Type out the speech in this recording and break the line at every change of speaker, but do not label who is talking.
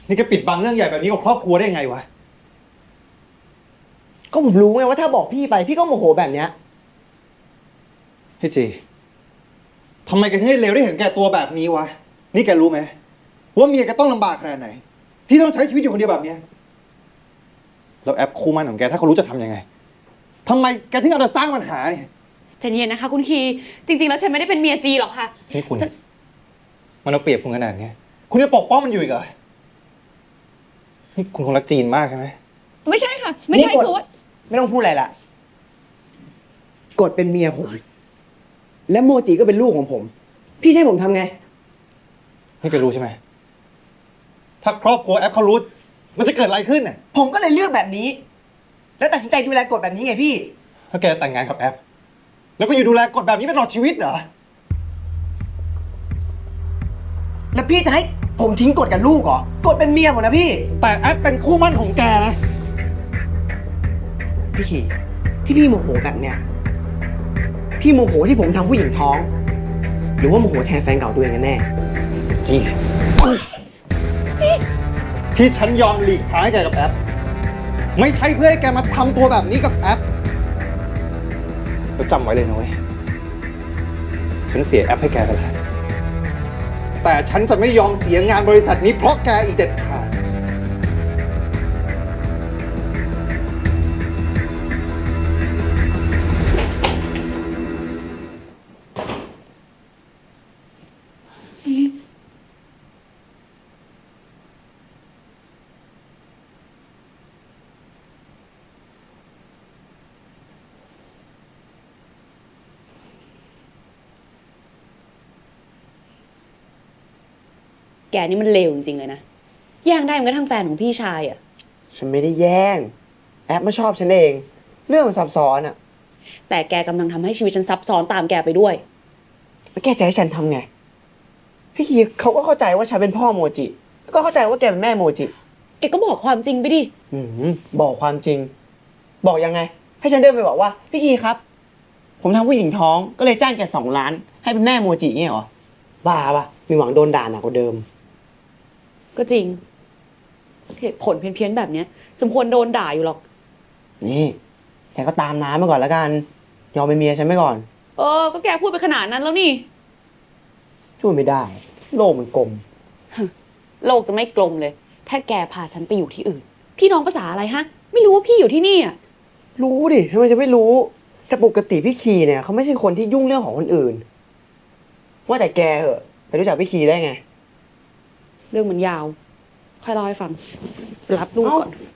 นี่แกปิดบังเรื่องใหญ่แบบนี้กับครอบครัวได้ยังไงวะ
ก็ผมรู้ไงว่าถ้าบอกพี่ไปพี่ก็โมโหแบบเนี้ย
พี่จีทำไมแกถึงได้เลวได้เห็นแก่ตัวแบบนี้วะนี่แกรู้ไหมว่าเมียแกต้องลำบากขนาดไหนที่ต้องใช้ชีวิตอยู่คนเดียวแบบเนี้ยแล้วแอปคู่มั่นของแกถ้าเขารู้จะทำยังไงทำไมแกถึงเอาแต่สร้างปัญหาเนี่ย
ใจเย็นนะคะคุณคีจริงๆแล้วฉันไม่ได้เป็นเมียจีหรอกค่ะ
นี่คุณ
ฉัน
มันเอาเปรียบคุณขนาดนี้คุณจะปกป้องมันอยู่อีกเหรอนี่คุณคงรักจีนมากใช่ไหม
ไม่ใช่ค่ะ ไม่ใช่
นี่กด
คือว่า
ไม่ต้องพูดอะไรละกดเป็นเมียผม และโมจิก็เป็นลูกของผม พี่จะให้ผมทำไง
นี่แกรู้ใช่ไหมถ้าครอบครัวแอปเขารู้มันจะเกิดอะไรขึ้นน่ะ
ผมก็เลยเลือกแบบนี้ แล้วตัดสินใจดูแลกฎแบบนี้ไงพี่
ถ้าแกแต่งงานกับแอปแล้วก็อยู่ดูแลกฎแบบนี้ไปตลอดชีวิตเหรอ
แล้วพี่จะให้ผมทิ้งกฎกับลูกเหรอกฎเป็นเมียผมนะพี่
แต่แอปเป็นคู่มั่นของแกนะ
พี่ขี่ที่พี่โมโหแบบเนี้ยพี่โมโหที่ผมทำผู้หญิงท้อง หรือว่าโมโหแทนแฟนเก่าตัวเองกันแน่
จีที่ฉันยอมหลีกทางให้แกกับแอปไม่ใช่เพื่อให้แกมาทำตัวแบบนี้กับแอปแล้วจำไว้เลยนะเว้ยฉันเสียแอปให้แกไปแล้วแต่ฉันจะไม่ยอมเสียงานบริษัทนี้เพราะแกอีกเด็ดขาด
จีแกนี่มันเลวจริงๆเลยนะแย่งได้มันก็ทั้งแฟนของพี่ชายอ่ะ
ฉันไม่ได้แย่ง แอปมาชอบฉันเอง เรื่องมันซับซ้อนอะ
แต่แกกำลังทำให้ชีวิตฉันซับซ้อนตามแกไปด้วย
แล้วแกจะให้ฉันทำไง พี่คีเขาก็เข้าใจว่าฉันเป็นพ่อโมจิ แล้วก็เข้าใจว่าแกเป็นแม่โมจิ
แกก็บอกความจริงไปดิ
บอกความจริง บอกยังไง ให้ฉันเดินไปบอกว่า พี่คีครับ ผมทำผู้หญิงท้องก็เลยจ้างแก2 ล้าน ให้เป็นแม่โมจิเนี่ยเหรอ บ้าปะมีหวังโดนด่าหนักกว่าเดิม
ก็จริงเหตุผลเพี้ยนๆแบบเนี้ย สมควรโดนด่าอยู่หรอก
นี่แกก็ตามน้ำมาก่อนแล้วกัน ยอมเป็นเมียฉันไปก่อน
ก็แกพูดไปขนาดนั้นแล้วนี่
ช่วยไม่ได้ โลกมันกลม
โลกจะไม่กลมเลย ถ้าแกพาฉันไปอยู่ที่อื่น พี่น้องภาษาอะไรฮะ ไม่รู้ว่าพี่อยู่ที่นี่อ่ะ
รู้ดิทำไมจะไม่รู้ แต่ปกติพี่คีเนี่ยเขาไม่ใช่คนที่ยุ่งเรื่องของคนอื่น ว่าแต่แกเหอะไปรู้จักพี่คีได้ไง
เรื่องมันยาว ค่อยเล่าให้ฟัง รับลูกก่อน
เอ้า